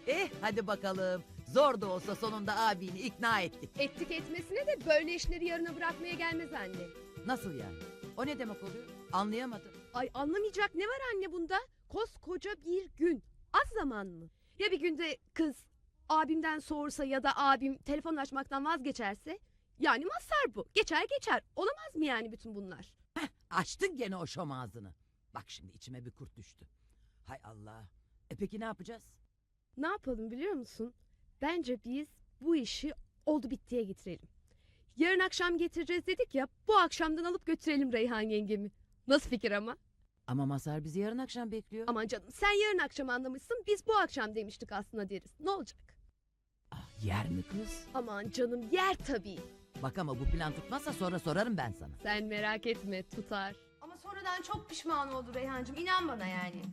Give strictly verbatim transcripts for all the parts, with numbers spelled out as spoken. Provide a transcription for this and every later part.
Eh hadi bakalım. Zor da olsa sonunda abini ikna ettik. Ettik etmesine de böyle işleri yarına bırakmaya gelmez anne. Nasıl yani? O ne demek oluyor? Anlayamadım. Ay anlamayacak ne var anne bunda? Koskoca bir gün. Az zaman mı? Ya bir günde kız abimden soğursa ya da abim telefon açmaktan vazgeçerse? Yani mazhar bu. Geçer geçer. Olamaz mı yani bütün bunlar? Heh, açtın gene o şom ağzını. Bak şimdi içime bir kurt düştü. Hay Allah. E peki ne yapacağız? Ne yapalım biliyor musun? Bence biz bu işi oldu bittiye getirelim. Yarın akşam getireceğiz dedik ya, bu akşamdan alıp götürelim Reyhan yengemi. Nasıl fikir ama? Ama Mazhar bizi yarın akşam bekliyor. Aman canım sen yarın akşam anlamışsın, biz bu akşam demiştik aslında deriz. Ne olacak? Ah, yer mi kız? Aman canım yer tabii. Bak ama bu plan tutmazsa sonra sorarım ben sana. Sen merak etme tutar. Ama sonradan çok pişman oldu Reyhancığım. İnan bana yani.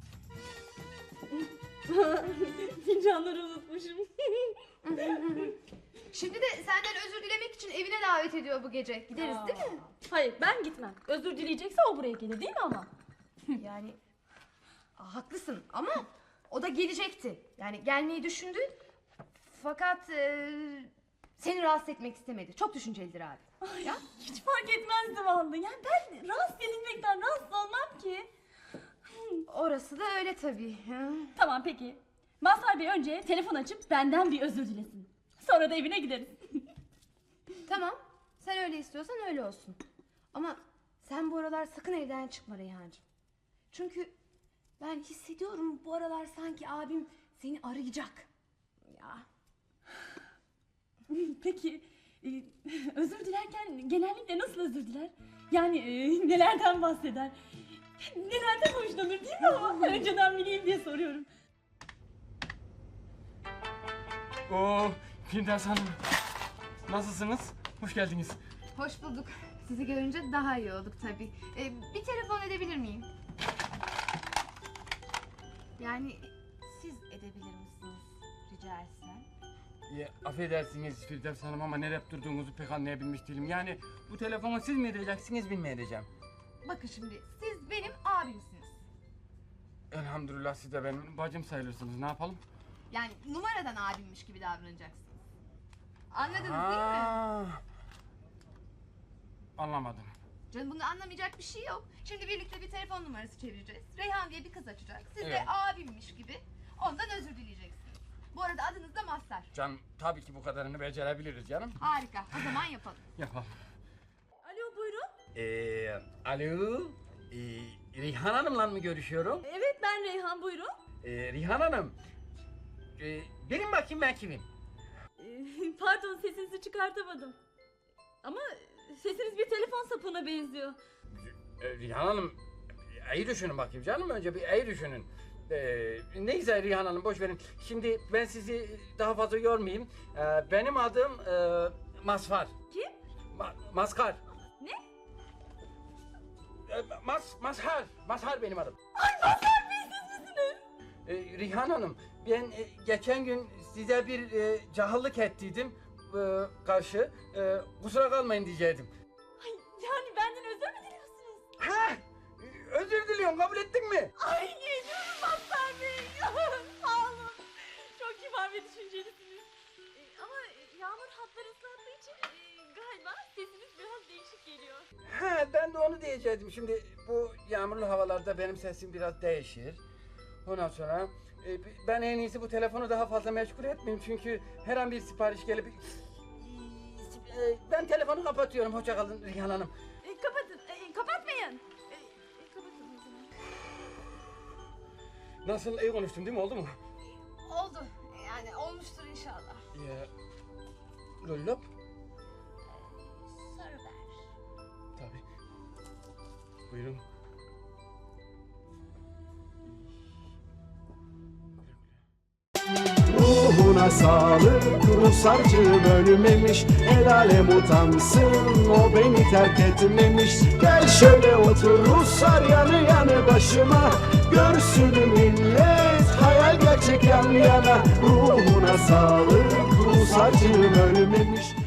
Fincanları unutmuşum. Şimdi de senden özür dilemek için evine davet ediyor bu gece. Gideriz değil mi? Hayır ben gitmem. Özür dileyecekse o buraya gelir değil mi ama? Yani Aa, haklısın ama o da gelecekti. Yani gelmeyi düşündü. Fakat e, seni rahatsız etmek istemedi. Çok düşüncelidir abi. Ay, ya? Hiç fark etmezdi vallahi. Yani ben rahatsız edilmekten rahatsız olmam ki. Orası da öyle tabii. Ha. Tamam peki. Mazhar Bey önce telefon açıp benden bir özür dilesin. Sonra da evine gideriz. Tamam. Sen öyle istiyorsan öyle olsun. Ama sen bu aralar sakın evden çıkma Reyhancığım. Çünkü ben hissediyorum bu aralar sanki abim seni arayacak. Ya. Peki e, özür dilerken genellikle nasıl özür diler? Yani e, nelerden bahseder? Nelerden hoşlanır değil mi ama? Önceden bileyim diye soruyorum. Oo, Firdevs Hanım. Nasılsınız? Hoş geldiniz. Hoş bulduk. Sizi görünce daha iyi olduk tabii. Ee, bir telefon edebilir miyim? Yani siz edebilir misiniz rica etsem? Ya, affedersiniz Firdevs Hanım ama nereye durduğunuzu pek anlayabilmiş değilim. Yani bu telefonu siz mi edeceksiniz, ben mi edeceğim? Bakın şimdi siz benim abimsiniz. Elhamdülillah siz de benim bacım sayılırsınız. Ne yapalım? Yani numaradan abimmiş gibi davranacaksınız. Anladınız değil mi? Aa, anlamadım. Canım bunu anlamayacak bir şey yok. Şimdi birlikte bir telefon numarası çevireceğiz. Reyhan diye bir kız açacak. Siz de Evet. abimmiş gibi ondan özür dileyeceksiniz. Bu arada adınız da Mazhar. Canım tabii ki bu kadarını becerebiliriz canım. Harika. O zaman yapalım. Yapalım. Alo buyurun. Ee, alo. Ee, Rihan Hanım'la mı görüşüyorum? Evet ben Reyhan buyurun. Ee, Rihan Hanım. Ee, benim bakayım ben kimim? Ee, Pardon sesinizi çıkartamadım. Ama sesiniz bir telefon sapına benziyor. Ee, Rihan Hanım, iyi düşünün bakayım canım, önce bir iyi düşünün. Ee, neyse Rihan Hanım boş verin. Şimdi ben sizi daha fazla yormayayım. Ee, benim adım e, Mazhar. Kim? Ma Mazhar. Ne? Ee, Mas Mazhar. Mazhar benim adım. Ay Mazhar Bey siz misiniz? Ee, Rihan Hanım, ben e, geçen gün size bir e, cahillik ettiydim e, karşı. E, kusura kalmayın diyecektim. Ay yani benden özür mü diliyorsunuz? Ha! Özür diliyorum, kabul ettin mi? Ay geliyorum Mazhar Bey. Sağ olun. Çok kibar ve düşüncelisiniz. Ee, ama yağmur hatları ıslattığı için e, galiba sesiniz biraz değişik geliyor. Ha, ben de onu diyecektim. Şimdi bu yağmurlu havalarda benim sesim biraz değişir. Ondan sonra e, ben en iyisi bu telefonu daha fazla meşgul etmeyeyim. Çünkü her an bir sipariş gelip... E, ben telefonu kapatıyorum. Hoşça kalın Rihan Hanım. E, kapatın. E, kapatmayın. E, e, kapatın o zaman. Nasıl, iyi konuştum değil mi? Oldu mu? Oldu. Yani olmuştur inşallah. Ya, lollop? Sarı ver. Tabii. Buyurun. Ruhuna sağlık, Rusarcığım ölmemiş. El alem utansın, o beni terk etmemiş. Gel şöyle otur Ruslar yanı yanı başıma. Görsün millet, hayal gerçek yan yana. Ruhuna sağlık, Rusarcığım ölmemiş.